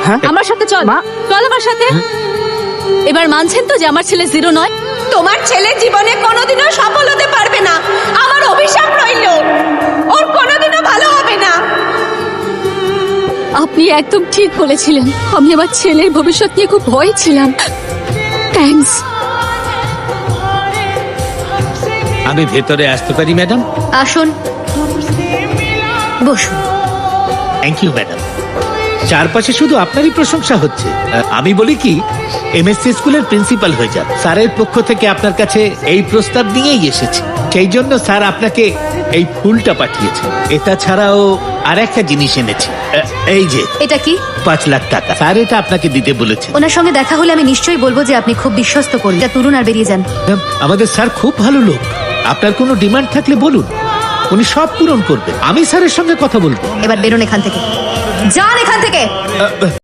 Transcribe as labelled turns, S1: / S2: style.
S1: আমার সাথে চল চল আমার সাথে। এবার মানছেন তো যে আমার ছেলে জিরো নয়?
S2: তোমার ছেলে জীবনে কোনোদিনও সফল হতে পারবে না, আমার অভিশাপ রইল, ওর কোনোদিনও ভালো হবে না।
S1: আপনি একদম ঠিক বলেছিলেন, আমি আমার ছেলের ভবিষ্যৎ নিয়ে খুব ভয় ছিলাম। থ্যাঙ্কস।
S3: আমি ভেতরে আসতে পারি ম্যাডাম?
S1: আসুন, বসুন।
S3: Thank you madam. চারপাশে শুধু আপনারই প্রশংসা হচ্ছে। আমি বলি কি, এমএসসি স্কুলের প্রিন্সিপাল হয়ে যান। স্যারের পক্ষ থেকে আপনার কাছে এই প্রস্তাব নিয়েই এসেছি। সেই জন্য স্যার আপনাকে এই ফুলটা পাঠিয়েছে। এটা ছাড়াও আর একটা জিনিস এনেছি। এই যে
S1: এটা কি?
S3: 5 লাখ টাকা। স্যার এটা আপনাকে দিতে বলেছে।
S1: ওনার সঙ্গে দেখা হলে আমি নিশ্চয়ই বলবো যে আপনি খুব বিশ্বস্ত করি। যা তুলুন আর বেরিয়ে যান।
S3: ম্যাম, আমাদের স্যার খুব ভালো লোক। আপনার কোনো ডিমান্ড থাকলে বলুন, উনি সব পূরণ করবেন। আমি স্যারের সঙ্গে কথা বলবো।
S1: এবার বেরোন এখান থেকে, যান এখান থেকে।